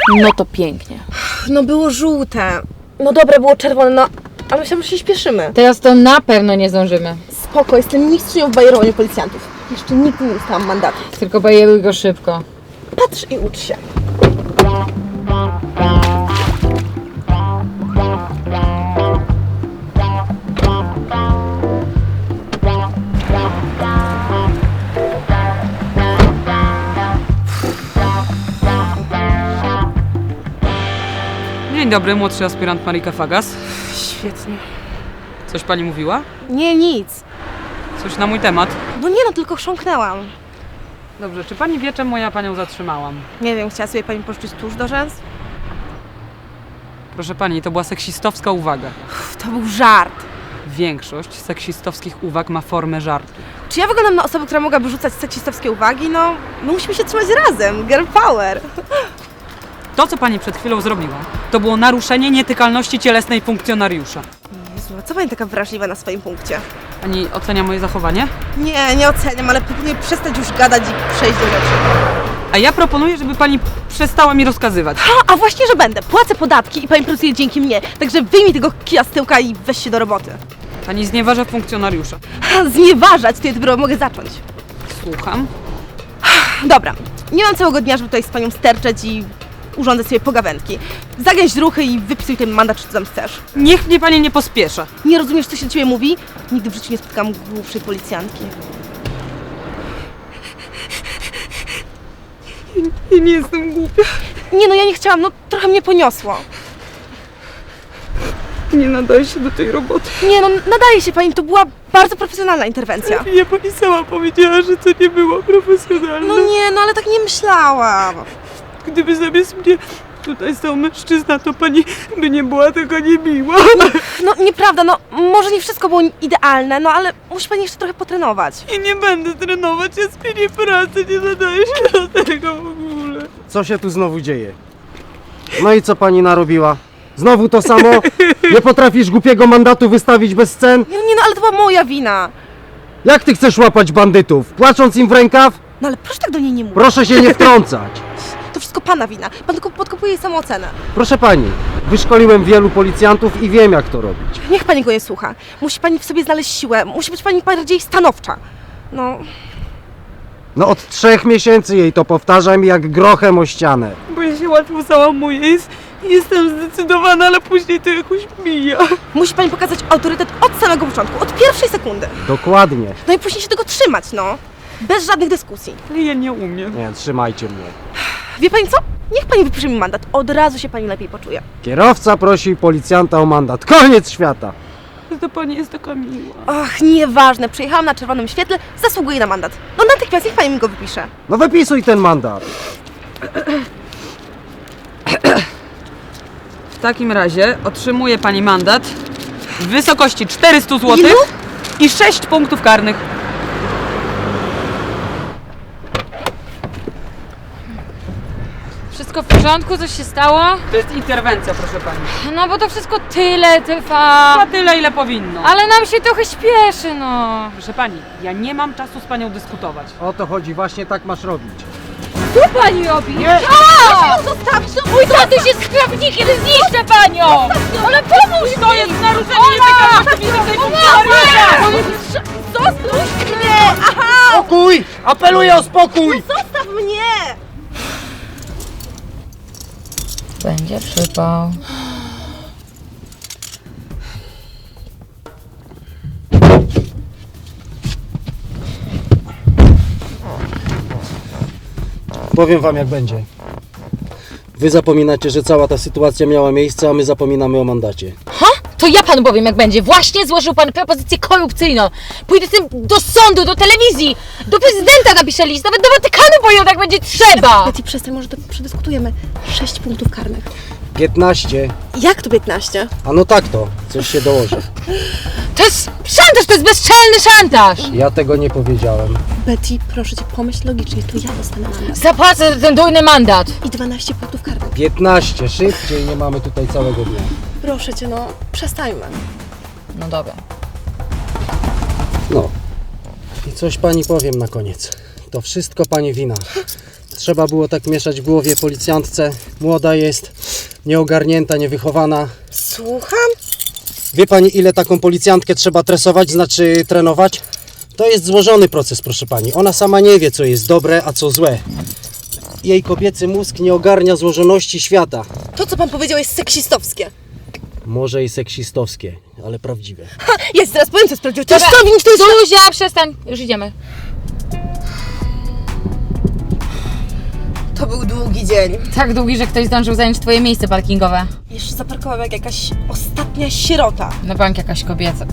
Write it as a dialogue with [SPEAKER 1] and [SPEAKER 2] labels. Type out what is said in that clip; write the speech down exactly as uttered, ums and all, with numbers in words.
[SPEAKER 1] No to pięknie.
[SPEAKER 2] No było żółte. No dobra, było czerwone, no. A myślałam, że się śpieszymy.
[SPEAKER 1] Teraz to na pewno nie zdążymy.
[SPEAKER 2] Spoko, jestem mistrzynią w bajerowaniu policjantów. Jeszcze nigdy nie dostałam mandatu.
[SPEAKER 1] Tylko bajeruj go szybko.
[SPEAKER 2] Patrz i ucz się.
[SPEAKER 3] Dzień dobry, młodszy aspirant Marika Fagas.
[SPEAKER 2] Świetnie.
[SPEAKER 3] Coś pani mówiła?
[SPEAKER 2] Nie, nic.
[SPEAKER 3] Coś na mój temat?
[SPEAKER 2] No nie no, tylko chrząknęłam.
[SPEAKER 3] Dobrze, czy pani wie, czemu ja panią zatrzymałam?
[SPEAKER 2] Nie wiem, chciała sobie pani pożyczyć tuż do rzęs?
[SPEAKER 3] Proszę pani, to była seksistowska uwaga.
[SPEAKER 2] Uff, to był żart.
[SPEAKER 3] Większość seksistowskich uwag ma formę żartu.
[SPEAKER 2] Czy ja wyglądam na osobę, która mogłaby rzucać seksistowskie uwagi? No, my musimy się trzymać razem. Girl power.
[SPEAKER 3] To, co pani przed chwilą zrobiła, to było naruszenie nietykalności cielesnej funkcjonariusza.
[SPEAKER 2] Jezu, a co pani taka wrażliwa na swoim punkcie?
[SPEAKER 3] Pani ocenia moje zachowanie?
[SPEAKER 2] Nie, nie oceniam, ale proponuję przestać już gadać i przejść do rzeczy.
[SPEAKER 3] A ja proponuję, żeby pani przestała mi rozkazywać.
[SPEAKER 2] A, a właśnie, że będę. Płacę podatki i pani pracuje dzięki mnie. Także wyjmij tego kija z tyłka i weź się do roboty.
[SPEAKER 3] Pani znieważa funkcjonariusza.
[SPEAKER 2] Ha, znieważać, to ja dopiero mogę zacząć.
[SPEAKER 3] Słucham.
[SPEAKER 2] Dobra, nie mam całego dnia, żeby tutaj z panią sterczeć i urządzać sobie pogawędki. Zagęź ruchy i wypisuj ten mandat, czy co tam chcesz.
[SPEAKER 3] Niech mnie pani nie pospiesza.
[SPEAKER 2] Nie rozumiesz, co się do ciebie mówi? Nigdy w życiu nie spotkałam głupszej policjantki.
[SPEAKER 3] Ja nie jestem głupia.
[SPEAKER 2] Nie no, ja nie chciałam, no trochę mnie poniosło.
[SPEAKER 3] Nie nadaje się do tej roboty.
[SPEAKER 2] Nie no, nadaje się pani, to była bardzo profesjonalna interwencja.
[SPEAKER 3] Nie, pani sama powiedziała, że to nie było profesjonalne.
[SPEAKER 2] No nie, no ale tak nie myślałam.
[SPEAKER 3] Gdyby zamiast mnie tutaj stał mężczyzna, to pani by nie była taka niemiła.
[SPEAKER 2] No nieprawda, no może nie wszystko było idealne, no ale musi pani jeszcze trochę potrenować.
[SPEAKER 3] I nie będę trenować, ja zmienię pracę, nie nadaję się do tego w ogóle.
[SPEAKER 4] Co się tu znowu dzieje? No i co pani narobiła? Znowu to samo? Nie potrafisz głupiego mandatu wystawić bez scen?
[SPEAKER 2] Nie, nie no, ale to była moja wina.
[SPEAKER 4] Jak ty chcesz łapać bandytów? Płacząc im w rękaw?
[SPEAKER 2] No ale proszę tak do niej nie mówić.
[SPEAKER 4] Proszę się nie wtrącać.
[SPEAKER 2] To wszystko pana wina. Pan tylko podkopuje jej samoocenę.
[SPEAKER 4] Proszę pani, wyszkoliłem wielu policjantów i wiem, jak to robić.
[SPEAKER 2] Niech pani go nie słucha. Musi pani w sobie znaleźć siłę. Musi być pani bardziej stanowcza. No,
[SPEAKER 4] No od trzech miesięcy jej to powtarzam jak grochem o ścianę.
[SPEAKER 3] Bo ja się łatwo załamuję, jest, jestem zdecydowana, ale później to jakoś mija.
[SPEAKER 2] musi pani pokazać autorytet od samego początku, od pierwszej sekundy.
[SPEAKER 4] Dokładnie.
[SPEAKER 2] No i później się tego trzymać, no. Bez żadnych dyskusji.
[SPEAKER 3] Ale ja nie umiem.
[SPEAKER 4] Nie, trzymajcie mnie.
[SPEAKER 2] Wie pani co? Niech pani wypisze mi mandat. Od razu się pani lepiej poczuje.
[SPEAKER 4] Kierowca prosi policjanta o mandat. Koniec świata.
[SPEAKER 3] To pani jest taka miła.
[SPEAKER 2] Ach, nieważne. Przyjechałam na czerwonym świetle, zasługuję na mandat. No natychmiast niech pani mi go wypisze.
[SPEAKER 4] No wypisuj ten mandat.
[SPEAKER 3] W takim razie otrzymuje pani mandat w wysokości czterysta złotych
[SPEAKER 2] Ilu?
[SPEAKER 3] i sześć punktów karnych.
[SPEAKER 1] Wszystko w porządku? Coś się stało?
[SPEAKER 3] To jest interwencja, proszę pani.
[SPEAKER 1] No bo to wszystko tyle trwa.
[SPEAKER 3] Na tyle, ile powinno.
[SPEAKER 1] Ale nam się trochę śpieszy, no.
[SPEAKER 3] Proszę pani, ja nie mam czasu z panią dyskutować.
[SPEAKER 4] O to chodzi, właśnie tak masz robić.
[SPEAKER 1] Co pani robi?
[SPEAKER 4] Nie!
[SPEAKER 1] A! Zostawić to! Mój tatuś jest skrawnikiem, zniszczę panią! Ale pomóż
[SPEAKER 3] To jest naruszenie nietykalności widocznej funkcjonariusza!
[SPEAKER 2] Zostaw mnie! Aha!
[SPEAKER 4] Spokój! Apeluję o spokój!
[SPEAKER 2] Zostaw mnie!
[SPEAKER 1] Będzie przypał.
[SPEAKER 4] Powiem wam jak będzie. Wy zapominacie, że cała ta sytuacja miała miejsce, a my zapominamy o mandacie.
[SPEAKER 1] Ha? To ja panu powiem jak będzie. Właśnie złożył pan propozycję korupcyjną. Pójdę z tym do sądu, do telewizji, do prezydenta napiszę list, nawet do Watykanu pojadę jak będzie trzeba.
[SPEAKER 2] Betty, przestań, może to przedyskutujemy. Sześć punktów karnych.
[SPEAKER 4] piętnaście.
[SPEAKER 2] Jak to piętnaście?
[SPEAKER 4] A no tak to, coś się dołoży.
[SPEAKER 1] To jest szantaż, to jest bezczelny szantaż.
[SPEAKER 4] Ja tego nie powiedziałem.
[SPEAKER 2] Betty, proszę cię, pomyśl logicznie, to ja dostanę mandat.
[SPEAKER 1] Zapłacę za ten dujny mandat.
[SPEAKER 2] I dwanaście punktów karnych.
[SPEAKER 4] piętnaście, szybciej, nie mamy tutaj całego dnia.
[SPEAKER 2] Proszę cię, no, przestańmy.
[SPEAKER 1] No dobra.
[SPEAKER 4] No. I coś pani powiem na koniec. To wszystko pani wina. Trzeba było tak mieszać w głowie policjantce. Młoda jest, nieogarnięta, niewychowana.
[SPEAKER 2] Słucham?
[SPEAKER 4] Wie pani, ile taką policjantkę trzeba tresować, znaczy trenować? To jest złożony proces, proszę pani. Ona sama nie wie, co jest dobre, a co złe. Jej kobiecy mózg nie ogarnia złożoności świata.
[SPEAKER 2] To, co pan powiedział, jest seksistowskie.
[SPEAKER 4] Może i seksistowskie, ale prawdziwe.
[SPEAKER 2] Ha, jest, teraz powiem, co sprawdził. To jest
[SPEAKER 1] Dobra,
[SPEAKER 2] to, winć, to jest...
[SPEAKER 1] Zuzia, przestań, już idziemy.
[SPEAKER 2] To był długi dzień.
[SPEAKER 1] Tak długi, że ktoś zdążył zająć twoje miejsce parkingowe.
[SPEAKER 2] Jeszcze zaparkował jak jakaś ostatnia sierota.
[SPEAKER 1] Na bank jakaś kobieca.